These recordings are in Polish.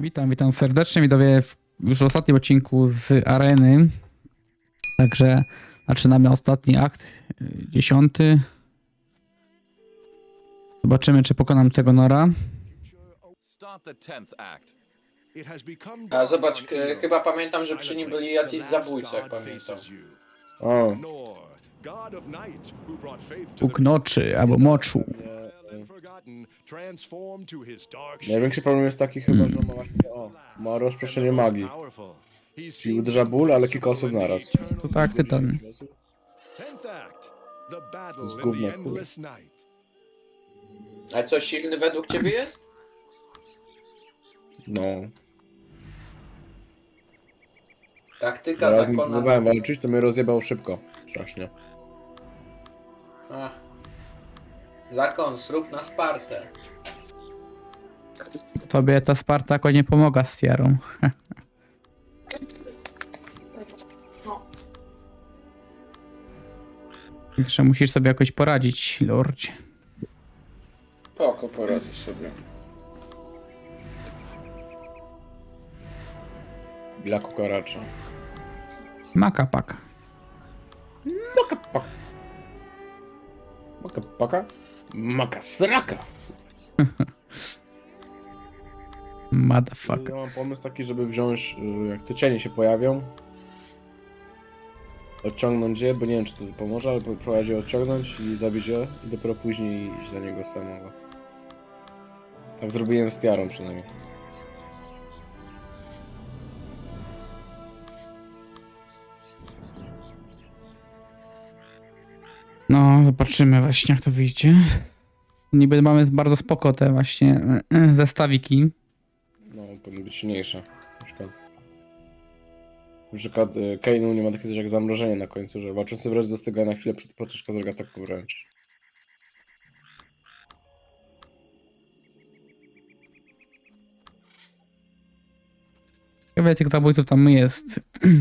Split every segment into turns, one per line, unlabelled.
Witam serdecznie, widzowie, już w ostatnim odcinku z Areny. Także zaczynamy ostatni akt, 10. Zobaczymy, czy pokonam tego Nora.
A zobacz, chyba pamiętam, że przy nim byli jacyś zabójcy, jak pamiętam.
O,
Bóg noczy albo moczu.
największy problem jest taki chyba, że ma właśnie, ma rozproszenie magii. Czyli uderza ból, ale kilka osób naraz.
To tak, Tytan.
To jest gówno w chuj.
A co, silny według ciebie jest?
No.
Taktyka
Raz nie
zakona.
próbowałem walczyć, to mnie rozjebał szybko. Strasznie.
Ach. Zakon, zrób na Spartę.
Tobie ta Sparta jakoś nie pomaga z Tiarą. Także musisz sobie jakoś poradzić, lordzie.
Poko, poradzisz sobie.
Dla kukaracza.
Makapak.
Makapaka. Makapaka? Makasraka!
Motherfucker.
Ja mam pomysł taki, żeby wziąć, jak te cienie się pojawią, odciągnąć je, bo nie wiem, czy to pomoże, ale próbować je odciągnąć i zabić je i dopiero później iść za niego samego. Tak zrobiłem z Tiarą przynajmniej.
No, zobaczymy właśnie, jak to wyjdzie. Niby mamy bardzo spoko te właśnie zestawiki.
No, powinny być silniejsze. Na przykład Kainu nie ma takiego coś jak zamrożenie na końcu, że walczący wręcz zastyga na chwilę przed podczas ataku wręcz.
Ciekawe, tych zabójców tam jest.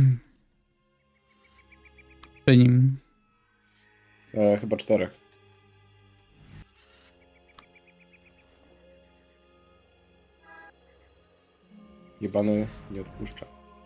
Przy nim.
Chyba 4. Jebany nie odpuszcza.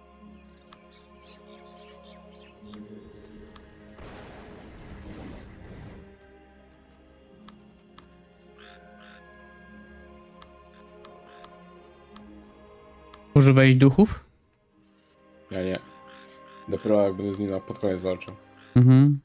Używałeś duchów?
Ja nie. Dopiero jak będę z nim pod koniec walczył.
Mhm.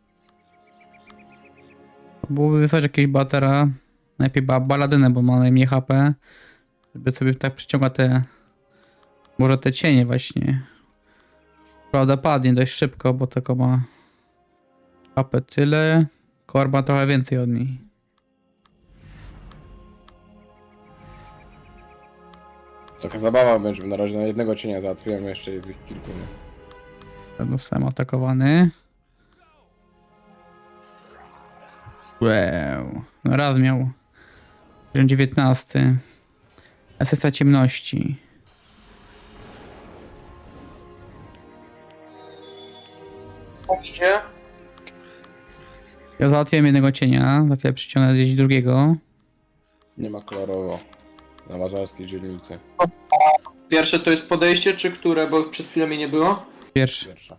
Byłoby wysłać jakiegoś batera. Najlepiej baladynę, bo ma najmniej HP. Żeby sobie tak przyciągać te... Może te cienie właśnie. Prawda, padnie dość szybko, bo tylko ma... HP tyle. Korba trochę więcej od niej.
Taka zabawa będzie, na razie na jednego cienia załatwiłem, jeszcze jest ich kilku. Nie?
Zostałem atakowany. Wow. No raz miał. 19. Esencja ciemności.
Idzie?
Ja załatwiłem jednego cienia. Za chwilę przyciągnę gdzieś drugiego.
Nie ma kolorowo. Na mazarskiej dzielnicy.
Pierwsze to jest podejście, czy które? Bo przez chwilę mnie nie było.
Pierwszy.
Pierwsza.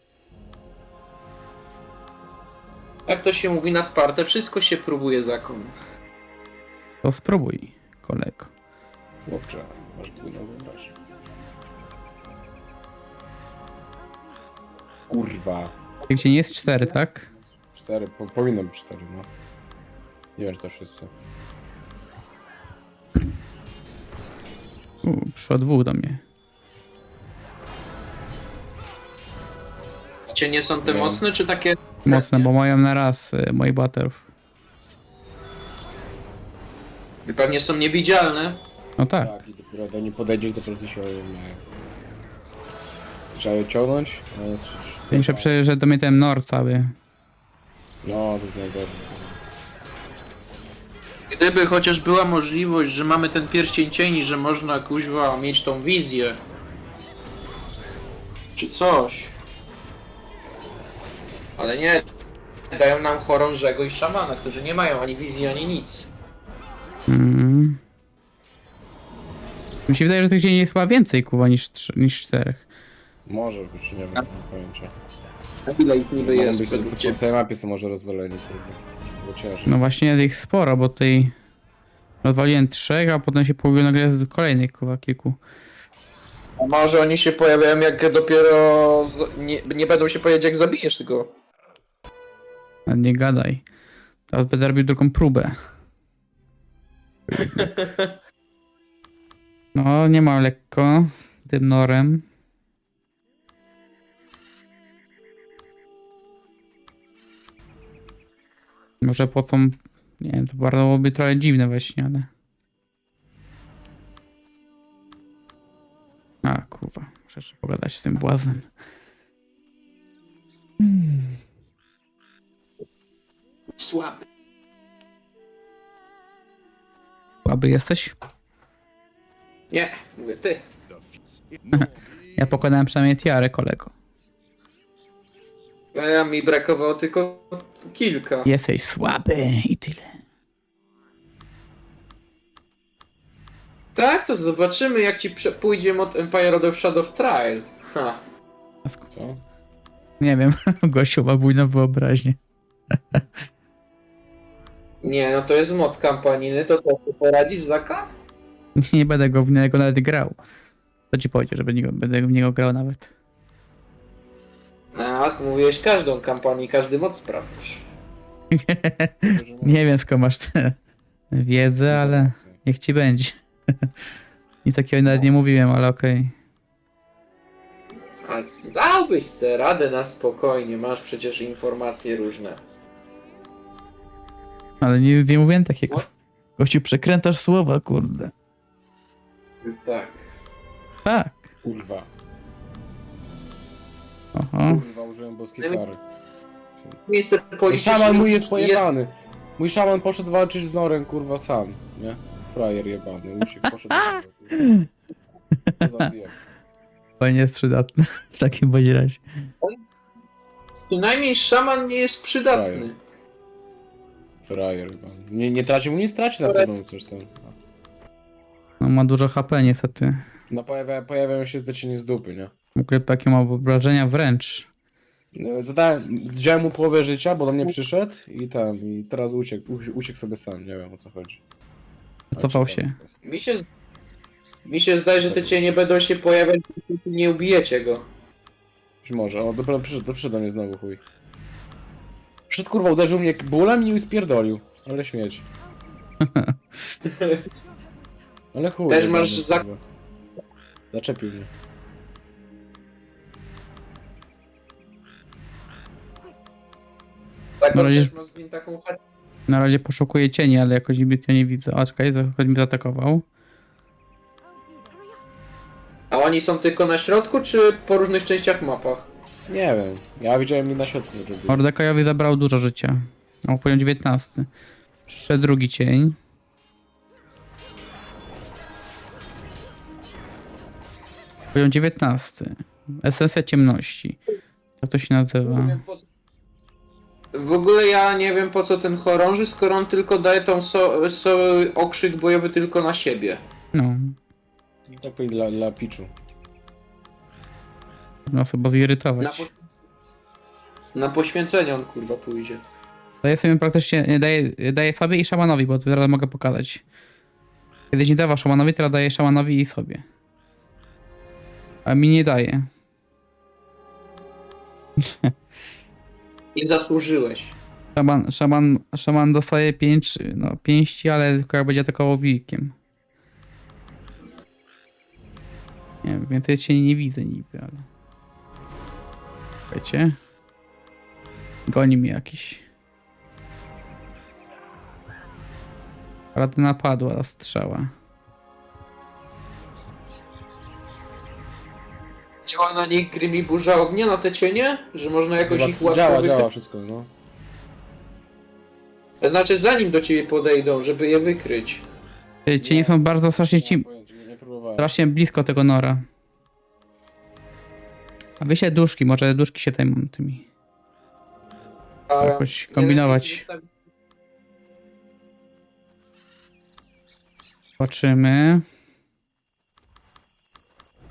Jak to się mówi na Spartę, wszystko się próbuje zakon.
To spróbuj, kolego.
Chłopcze, masz dwójną wyobraźnię. Kurwa.
Gdzie nie jest 4, tak?
4, powinno być 4, no. Nie wiem, czy to wszyscy.
Przyszło 2 do mnie.
Cienie są te
Nie.
mocne, czy takie...
Mocne, bo mają na raz moich baterów.
I pewnie są niewidzialne.
No tak.
Tak, i dopiero do nich podejdziesz, dopiero ty się ojemnieje. Trzeba je ciągnąć, a jest wszystko.
Muszę przejść, że do mnie ten Nor cały.
No, to jest najgorzej.
Gdyby chociaż była możliwość, że mamy ten pierścień cieni, że można kuźwa mieć tą wizję. Czy coś. Ale nie. Dają nam chorążego i szamana, którzy nie mają ani wizji, ani nic.
Mm. Mi się wydaje, że tych cieni jest chyba więcej, kurwa, niż 4.
Może być, nie wiem, nie mam pojęcia.
A ile ich niby
Mogą
jest
być,
według
po
ciebie?
całej mapie są może rozwaleni, trudno. Bo ciężej.
No właśnie jest ich sporo, bo tutaj rozwaliłem 3, a potem się pojawiło nagle kolejnych, kurwa, kilku.
A może oni się pojawiają jak dopiero... nie będą się pojawiać jak zabijesz tego.
A nie gadaj. Teraz będę robił drugą próbę. No, nie ma lekko tym norem. Może po tą... Nie wiem, to bardzo byłoby trochę dziwne właśnie, ale... A, kurwa. Muszę jeszcze pogadać z tym błaznem.
Słaby.
Słaby jesteś?
Nie, mówię ty.
Ja pokonałem przynajmniej tiarę, kolego.
A mi brakowało tylko kilka.
Jesteś słaby i tyle.
Tak, to zobaczymy jak ci pójdzie mod Empire of Shadow Trial. Ha.
Co?
Nie wiem, gościu ma bujną wyobraźnię.
Nie, no to jest mod kampanijny, to co, ty poradzisz Zaka?
Nie będę go w niego nawet grał. To ci powiedział, że będę w niego grał nawet.
Tak, mówiłeś każdą kampanię, każdy mod sprawdzisz.
Nie wiem skąd masz tę wiedzę, ale niech ci będzie. Nic takiego nawet nie mówiłem, ale okej.
A dałbyś se radę na spokojnie, masz przecież informacje różne.
Ale nie mówiłem takiego. Gościu, przekrętasz słowa, kurde.
Tak.
Tak.
Kurwa.
Oho.
Kurwa, użyłem boskiej kary.
Miejsce
I
polityczne
szaman mój jest pojebany. Mój szaman poszedł walczyć z Norem, kurwa, sam, nie? Frajer jebany, uciekł, poszedł do niego, kurwa. Co za zjeb.
Fajnie jest przydatny w takim bądź razie.
Przynajmniej szaman nie jest przydatny.
Frajer jebany. Nie tracił, nie straci na pewno coś tam.
No ma dużo HP niestety.
No pojawiają się te cienie z dupy, nie?
W ogóle jakie ma obrażenia wręcz.
No, wziąłem mu połowę życia, bo do mnie przyszedł i teraz uciekł sobie sam, nie wiem o co chodzi.
Cofał się.
Mi się zdaje, że te cienie będą się pojawiać, dopóki nie ubijecie go.
Być może, o dopiero przyszedł do mnie znowu chuj. Przyszedł kurwa, uderzył mnie bólem i spierdolił. Ale śmieć. Ale chuj.
Też
jebany,
masz
kurwa. Zaczepił mnie.
Tak,
Na razie-
też ma z nim taką chatę.
Na razie poszukuję cieni, ale jakoś zbytnio nie widzę. A czekaj, choć mnie zaatakował.
A oni są tylko na środku, czy po różnych częściach mapach?
Nie wiem, ja widziałem mi na środku, że był.
Mordekajowi zabrał dużo życia. O, poziom 19. Przyszedł drugi cień. Poziom 19. Esencja ciemności. Jak to się nazywa?
W ogóle ja nie wiem po co ten chorąży, skoro on tylko daje tą okrzyk bojowy tylko na siebie.
No.
Tak powiem dla Picchu.
Można sobie
Na,
zirytować.
na poświęcenie on kurwa pójdzie.
Daję sobie praktycznie, daję sobie i szamanowi, bo teraz mogę pokazać. Kiedyś nie dawał szamanowi, teraz daję szamanowi i sobie. A mi nie daje.
Nie zasłużyłeś.
Szaman dostaje pięści, ale tylko jak będzie atakował wilkiem. Nie wiem, więcej cię nie widzę niby, ale... Wiecie? Goni mnie jakiś. Rada napadła, strzała.
Działa na nich Grim i burza ognia, na te cienie? Że można jakoś ich łatwo
Działa
wykryć?
wszystko, no.
To znaczy zanim do ciebie podejdą, żeby je wykryć.
Te cienie są bardzo strasznie
Nie mam pojęcia, nie próbowałem.
strasznie blisko tego nora. A wyślę duszki, może duszki się zajmą tymi.
A
Jakoś kombinować. Zobaczymy.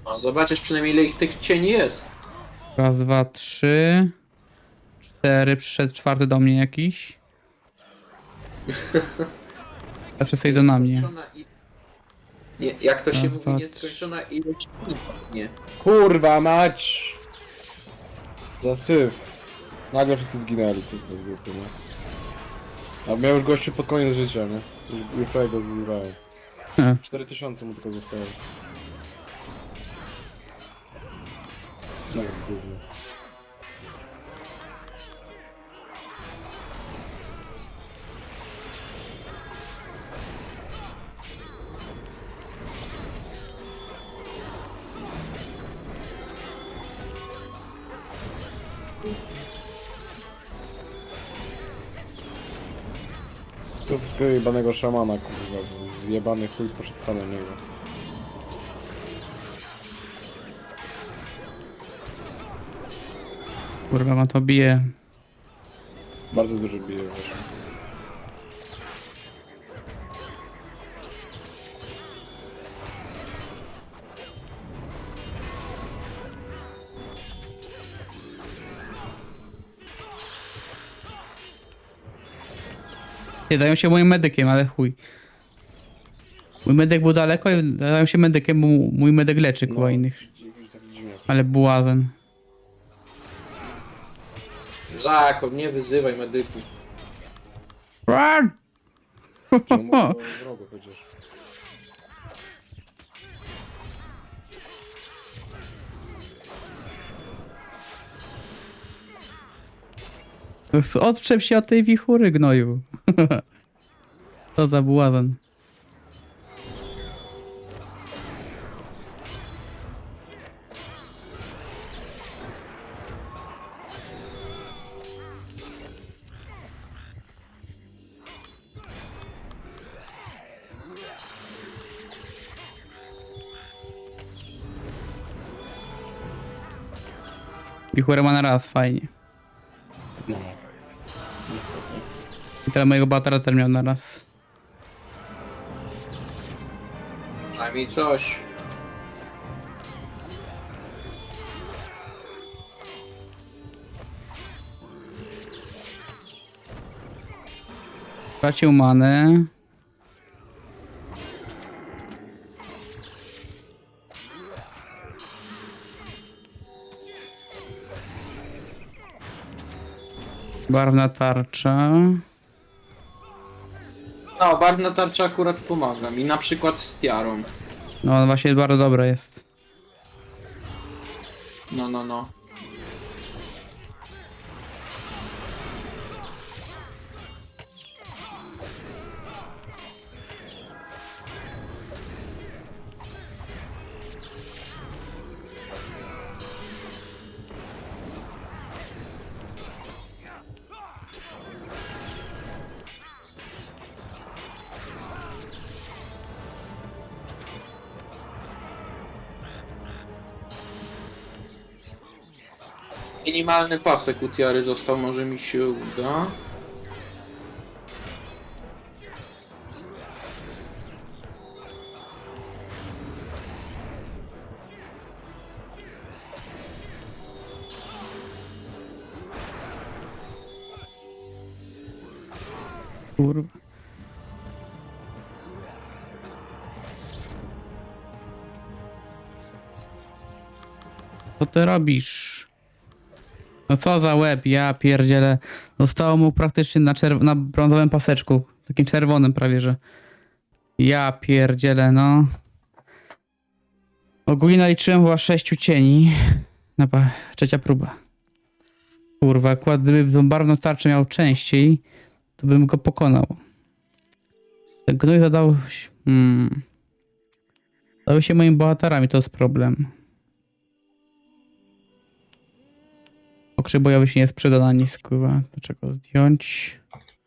O, zobaczysz przynajmniej ile ich tych cieni jest.
Raz, dwa, trzy, cztery. Przyszedł czwarty do mnie jakiś. A wszyscy idą na mnie.
Nie, jak to się
Raz,
mówi,
dwa,
nieskończona ilość nie.
Kurwa mać! Zasyp. Nagle wszyscy zginęli, kurwa, z grupy, nie? A miał już gościu pod koniec życia, nie? Już prawie go zjewałem. 4000 mu tylko zostało. No kurwa. Co w tego jebanego szamana, kurwa, bo zjebany chuj poszedł sam na niego.
Kurwa, ma to bije.
Bardzo dużo bije właśnie.
Nie, dają się moim medykiem, ale chuj. Mój medyk był daleko i dają się medykiem, bo mój medyk leczy koło innych.
Taki dziwniak.
Ale błazen.
Żakob, nie wyzywaj medyków.
Run!
Czemu było wrogo chociaż.
Odczep się od tej wichury, gnoju. Co za błazen. Wichurę ma na raz, fajnie.
No. Niestety.
I teraz mojego batera też miał na raz.
Przynajmniej coś.
Tracił manę. Barwna tarcza.
No, barwna tarcza akurat pomaga mi, na przykład z tiarą.
No właśnie bardzo dobre jest.
No. Minimalny pasek u tiary został, może mi się uda.
Kurwa. Co ty robisz? No co za łeb, ja pierdzielę. Zostało mu praktycznie na brązowym paseczku. Takim czerwonym prawie, że. Ja pierdzielę, no. Ogólnie naliczyłem chyba 6 cieni. Trzecia próba. Kurwa, akurat gdyby tą barwną tarczę miał częściej, to bym go pokonał. Ten gnój zadał... Dały się moimi bohaterami, to jest problem. Okrzyk bojowy się nie sprzeda na nic, kurwa. To czego zdjąć?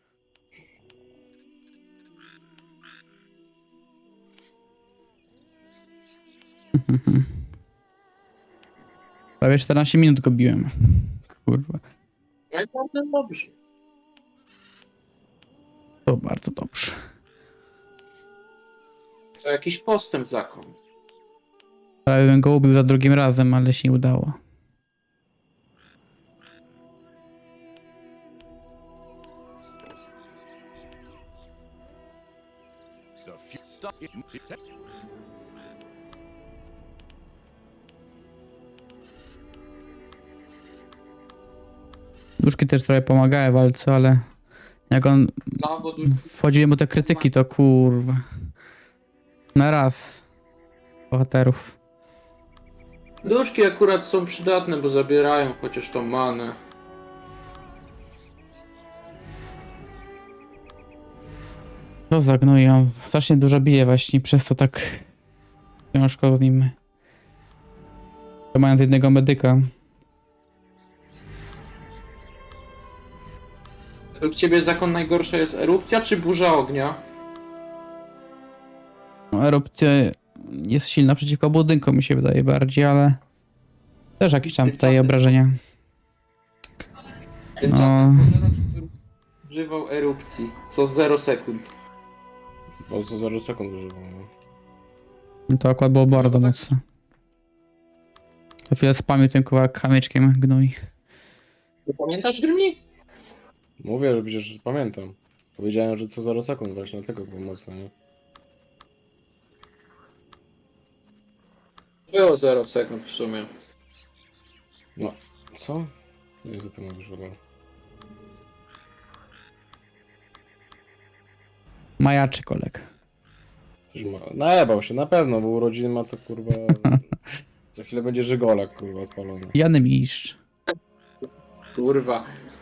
Prawie 14 minut go biłem. Kurwa.
No i bardzo dobrze.
To bardzo dobrze.
To jakiś postęp zakon.
Prawie bym go ubił za drugim razem, ale się nie udało. Duszki też trochę pomagały w walce, ale jak on
No, bo
wchodziły mu te krytyki, to kurwa. Na raz. Bohaterów.
duszki akurat są przydatne, bo zabierają chociaż tą manę.
To zagnuje, on strasznie dużo bije właśnie, przez to tak ciężko z nim. To mając jednego medyka.
Według ciebie zakon najgorsza jest erupcja czy burza ognia?
No, erupcja jest silna przeciwko budynkom, mi się wydaje bardziej, ale też jakieś tam tutaj
Tymczasem-
obrażenia.
Tymczasem używał erupcji co 0 sekund.
O co 0 sekund używam. No.
No to akurat było bardzo
tak.
mocne. To chwilę spamił tym kawałek kamyczkiem gnój.
Ty pamiętasz Grimni?
Mówię, że przecież pamiętam. Powiedziałem, że co 0 sekund właśnie, dlatego było mocno, nie?
Było 0 sekund w sumie.
No, co? Nie, za to mówisz, ale...
Majaczy koleg.
Przecież ma... Najebał się, na pewno, bo urodziny ma to kurwa... Za chwilę będzie żygolak kurwa odpalony.
Pijany mistrz.
Kurwa.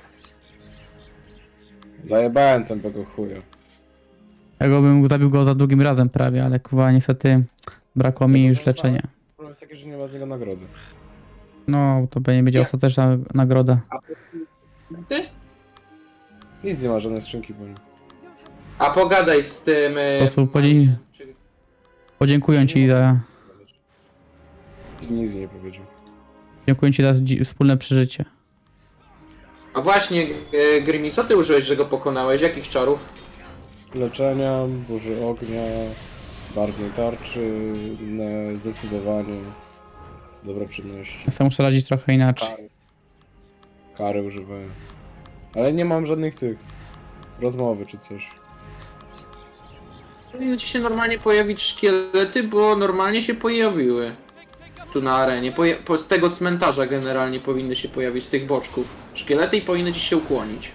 Zajebałem tego chuja.
Ja go bym zabił go za drugim razem prawie, ale kurwa niestety brakło mi już leczenia.
Problem jest taki, że nie ma z niego nagrody.
No, to będzie
Jak?
ostateczna nagroda.
Ty?
Nic nie ma, żadnej skrzynki po nim.
A pogadaj z tym...
Po prostu podziękuję ci za...
Nic mi nie powiedział.
Dziękuję ci za wspólne przeżycie.
A właśnie, Grimmy, co ty użyłeś, że go pokonałeś? Jakich czarów?
Leczenia, burzy ognia, barwnej tarczy, inne zdecydowanie. Dobre czynności.
Ja sam muszę radzić trochę inaczej.
Kary używałem. Ale nie mam żadnych tych... rozmowy czy coś.
Powinny ci się normalnie pojawić szkielety, bo normalnie się pojawiły. Tu na arenie. Z tego cmentarza generalnie powinny się pojawić, z tych boczków. Szkielety i powinny ci się ukłonić.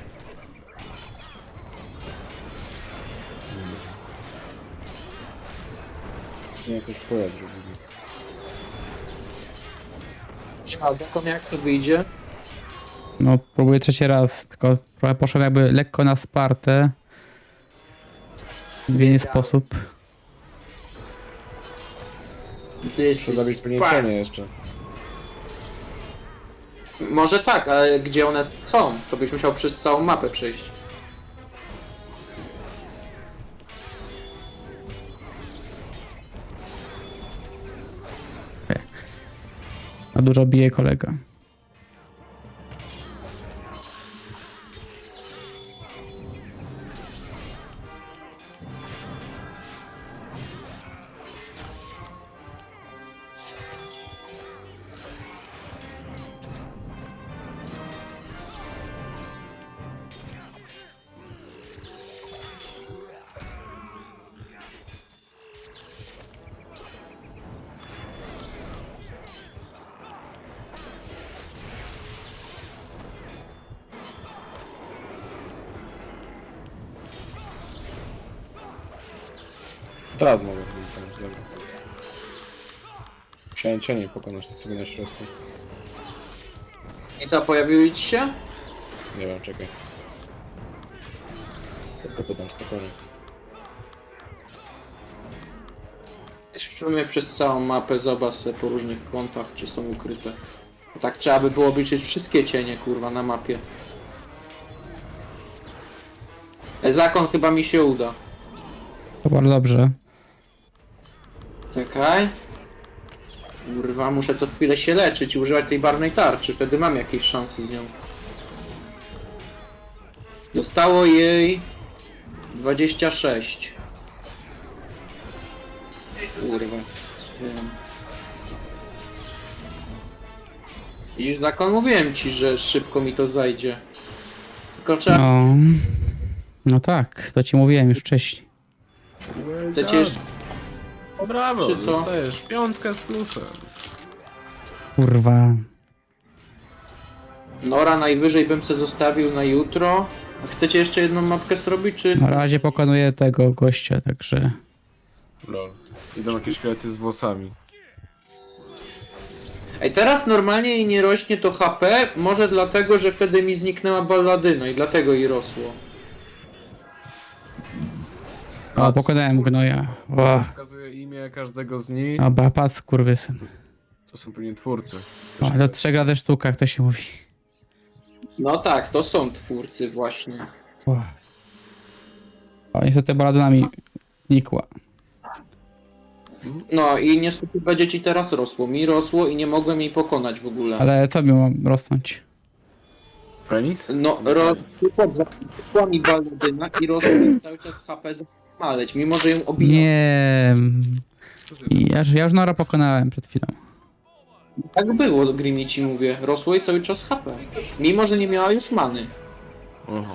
Nie, coś w chuja zrobili.
A zakon jak to wyjdzie?
No, próbuję trzeci raz, tylko trochę poszedłem jakby lekko na Spartę. W inny sposób.
Muszę zrobić poniesienie jeszcze.
Może tak, ale gdzie one są? To byś musiał przez całą mapę przejść.
A dużo bije kolega.
Teraz mogę powiedzieć, dobra. Musiałem cienie pokonać to sobie na środku.
I co, pojawiły ci się?
Nie wiem, czekaj. Tylko pytam, to koniec.
W sumie przez całą mapę zobacz sobie po różnych kątach, czy są ukryte. Tak trzeba by było obliczyć wszystkie cienie, kurwa, na mapie. Zakon chyba mi się uda.
To bardzo dobrze.
Czekaj. Kurwa, muszę co chwilę się leczyć i używać tej barwnej tarczy, wtedy mam jakieś szanse z nią. Zostało jej 26. Kurwa. Widzisz, zakon, mówiłem ci, że szybko mi to zajdzie. Tylko trzeba...
No. No tak, to ci mówiłem już wcześniej.
Chcecie jeszcze...
Brawo,
Czy co?
dostajesz 5 z plusem.
Kurwa.
Nora najwyżej bym se zostawił na jutro. A chcecie jeszcze jedną mapkę zrobić, czy...
Na razie pokonuję tego gościa, także...
Lol. Idą jakieś szkielety z włosami.
Ej, teraz normalnie jej nie rośnie to HP, może dlatego, że wtedy mi zniknęła balladyna i dlatego jej rosło.
O, pokonałem gnoja. O,
Pokazuje imię każdego z nich.
a patrz, kurwysyn.
To są pewnie twórcy.
O, do 3 razy sztuka, jak to się mówi.
No tak, to są twórcy właśnie.
O, niestety baladyna mi nikła.
No i niestety będzie ci teraz rosło. Mi rosło i nie mogłem jej pokonać w ogóle.
Ale co mi mam rosnąć?
Penis?
No, rosła mi balladyna i rosło mi cały czas HP maleć, mimo że ją obijam.
Nie. Ja już Nora pokonałem przed chwilą.
Tak było, Grimmy, ci mówię. Rosło jej cały czas HP. Mimo że nie miała już many.
Aha.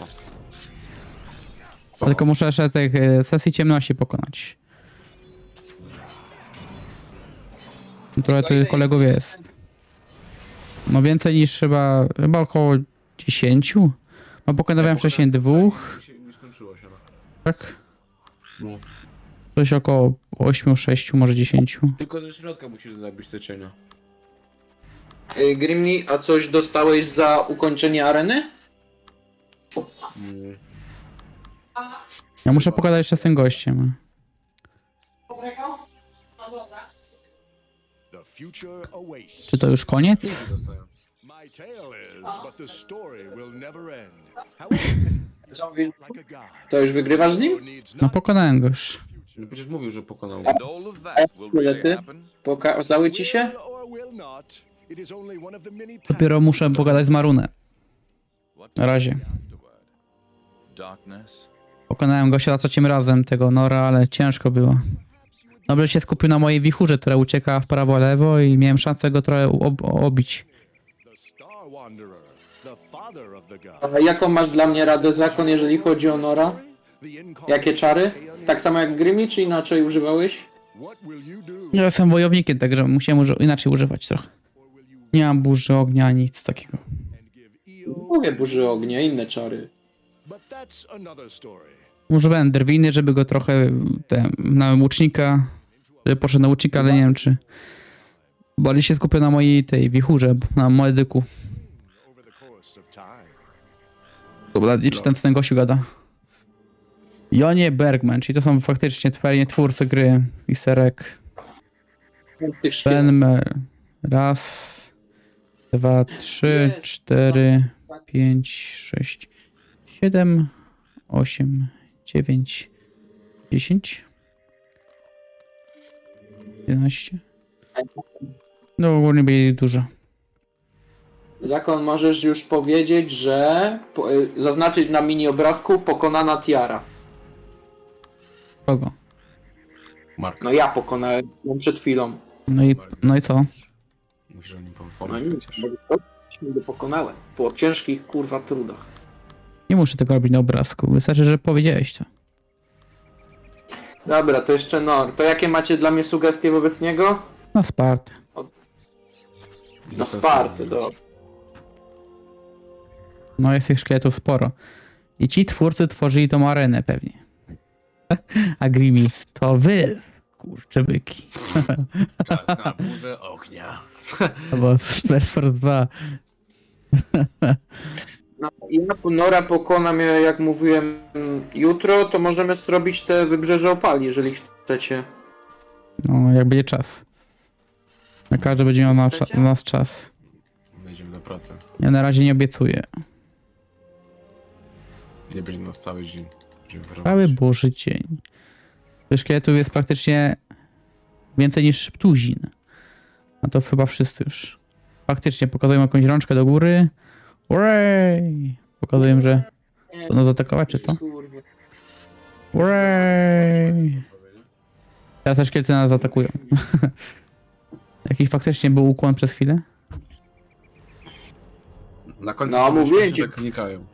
Tylko muszę jeszcze tych sesji ciemności pokonać. Trochę tych kolegów jest. No więcej niż chyba około 10. Bo pokonywałem wcześniej 2,
Nie skończyło się. No.
tak?
No.
Coś około 8, 6, może 10.
Tylko ze środka musisz zabić te cienia.
Grimmy, a coś dostałeś za ukończenie areny?
Mm.
Ja muszę pogadać jeszcze z tym gościem.
The future awaits.
Czy to już koniec?
Dostają.
My tale is, but the story will never end. However,
Co mówisz?
like a god,
To już wygrywasz z nim?
needs
No
not
pokonałem go już.
No przecież mówił, że pokonał.
And all of that will really
Szkielety?
happen.
Pokazały ci się?
will or will not. It is only one of the many
Dopiero muszę pogadać z Marunem.
What
Na razie.
afterward? Darkness.
Pokonałem gościa za trzecim razem tego Nora, ale ciężko było. Nobel się skupił na mojej wichurze, która ucieka w prawo, lewo i miałem szansę go trochę obić.
the Star Wanderer, the father of the god.
A jaką masz dla mnie radę, Zakon, jeżeli chodzi o Nora? Jakie czary? Tak samo jak Grimmy, czy inaczej używałeś?
What will you do?
Ja jestem wojownikiem, także musiałem inaczej używać trochę. Nie mam burzy ognia, nic takiego.
And give Eo,
Mówię burzy ognia, inne czary.
but that's another story.
Używałem drwiny, żeby go trochę na łucznika, żeby poszedł na łucznika, ale nie wiem czy... Bo ale się skupił na mojej tej wichurze, na medyku.
Over the course of time.
Dobra, i czy ten gościu gada? Jonie Bergman, czyli to są faktycznie twórcy gry i serek.
Z tych szkieletów.
Benmer. Raz, 2, 3, 4, 5, 6, 7, 8, 9, 10, 11. No ogólnie byli dużo.
Zakon, możesz już powiedzieć, że zaznaczyć na mini obrazku pokonana tiara.
Kogo?
Mark.
No ja pokonałem ją przed chwilą.
No i co?
Musisz o nim
No
pomóc
nic,
przecież.
bo go pokonałem. Po ciężkich kurwa trudach.
Nie muszę tego robić na obrazku, wystarczy, że powiedziałeś to.
Dobra, to jeszcze Nor. To jakie macie dla mnie sugestie wobec niego?
Na Spartę.
Na Spartę, do.
No jest tych szkieletów sporo. I ci twórcy tworzyli tą arenę pewnie. A Grimmy, to wy, kurczę byki.
Czas na burzę ognia.
Albo Space Force 2.
No, ja Nora pokonam, jak mówiłem, jutro, to możemy zrobić te wybrzeże opali, jeżeli chcecie.
No, jak będzie czas. Na każdy będzie miał na nas czas.
Wejdziemy do pracy.
Ja na razie nie obiecuję.
Nie będzie nas cały dzień. Będziemy wyrobić.
Cały Boży dzień. Tych szkieletów jest praktycznie więcej niż tuzin. A to chyba wszyscy już. Faktycznie pokazują jakąś rączkę do góry. Urej! Pokazują, że będą zaatakować, czy co?
Kurwa.
Urej! Teraz te szkielety nas zaatakują. Jakiś faktycznie był ukłon przez chwilę?
Na końcu
No,
sobie
mówię
się
ci.
tak znikają.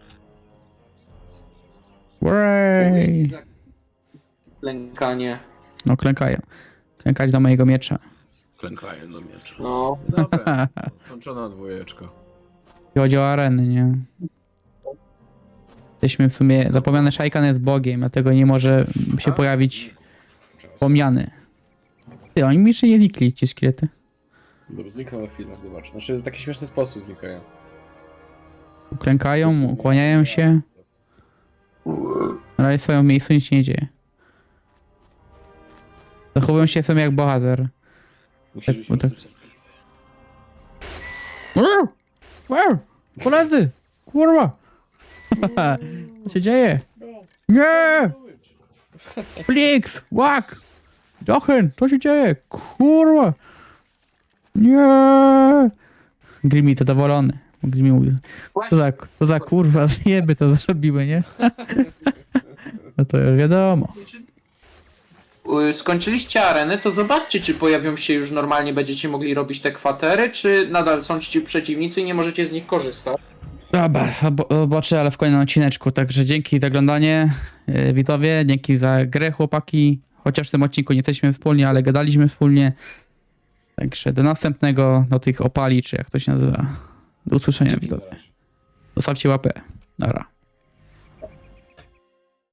Uray.
Klękanie.
No klękają. Klękać do mojego miecza.
Klękają do miecza.
No.
Dobra, skończona dwójeczka.
Jeśli chodzi o areny, nie? Jesteśmy w sumie... Zapomniany Shaikan jest bogiem, dlatego nie może się pojawić pomniany. Ty, oni mi jeszcze nie znikli, ci szkielety.
Dobra, znikną na chwilę, zobacz. Znaczy w taki śmieszny sposób znikają.
Klękają, ukłaniają się. Ale stoją w miejscu, nic się nie dzieje. Zachowują się w sumie jak bohater.
Musisz być
bo tak-
mocno cierpliwy.
Koledzy! Kurwa! Co się dzieje? Nie! Flix! Łak! Jochen! Co się dzieje? Kurwa! Nie! Grimi zadowolony. Grimi mówił. Co za kurwa, zjeby to zrobiły, nie? No to już wiadomo.
Skończyliście arenę, to zobaczcie, czy pojawią się już normalnie, będziecie mogli robić te kwatery, czy nadal są ci przeciwnicy i nie możecie z nich korzystać.
Dobra, zobaczę, ale w kolejnym odcineczku. Także dzięki za oglądanie, widzowie. Dzięki za grę, chłopaki. Chociaż w tym odcinku nie jesteśmy wspólnie, ale gadaliśmy wspólnie. Także do następnego, do tych opali, czy jak to się nazywa. Do usłyszenia, widzowie. Zostawcie łapę. Dobra.